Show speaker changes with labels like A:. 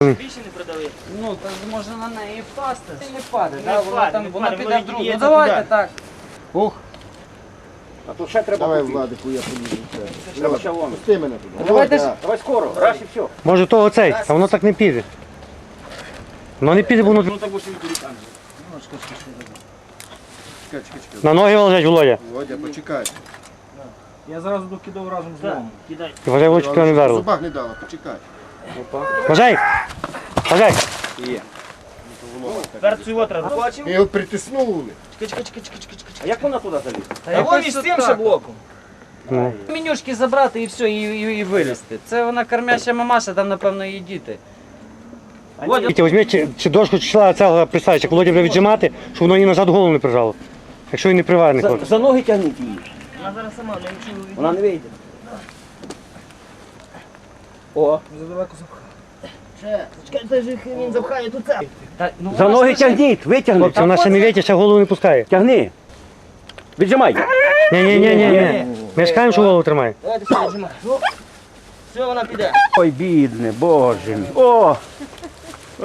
A: Більше не продали.
B: Ну, то може на неї впасти. Не впаде,
A: Не
B: да?
A: впаде,
B: Воно
A: не
B: воно
A: впаде,
B: піде
A: воно
B: в другу. Ну
A: відіб'ється
B: давайте
A: туди.
B: так. Ух.
C: А то ще треба
D: Давай,
C: купити.
D: Владику, я поїду.
C: Треба ще вон.
D: Пусти мене туди.
B: Давайте ж.
C: Давай скоро, раз і все.
E: Може того цей, а воно так не піде. Воно не піде, бо воно
A: Ну так будеш від там.
D: Чекай, чекай, чекай.
E: на ноги лежать, Володя.
D: Володя, почекай.
C: Я зразу докидав разом з
A: Так,
C: ломом.
A: кидай.
E: І вважай, Володя, тебе не
D: В
E: вдарило.
D: зубах не дала, почекай.
E: Вважай! Вважай!
C: Є.
A: Тепер цю от треба. Бачив?
D: Ми його притиснули.
A: Чекай, чекай, чекай, чекай, чекай.
C: А як вона туди залізла?
B: Та
A: А вон
B: якось
A: із
B: от
A: цим
B: так.
A: ще блоком.
E: Ну.
B: Менюшки забрати і все, і вилізти. Це вона кормяща мамаша, там напевно її діти.
E: Вітя, візьми чи дошку чи члена цього приставиш, як Володя буде віджимати, щоб воно її назад голову не прижало. Якщо він не приварений хлопець.
C: За ноги тягніть її.
A: Вона зараз сама не чую.
C: Вона не вийде. О,
A: Чекай, це ж він запхає тут це.
B: Та, ну,
C: за
B: вона
C: ноги
B: ж лише-
C: тягніть, витягни.
E: Хлопці, вона ще не вітя, ще голову не пускає.
C: Тягни. Віджимай.
E: Ні. Ми ж кажемо, що голову тримає.
A: Давайте все, віджимай. Все, вона піде.
C: Ой, бідне, боже мій. О,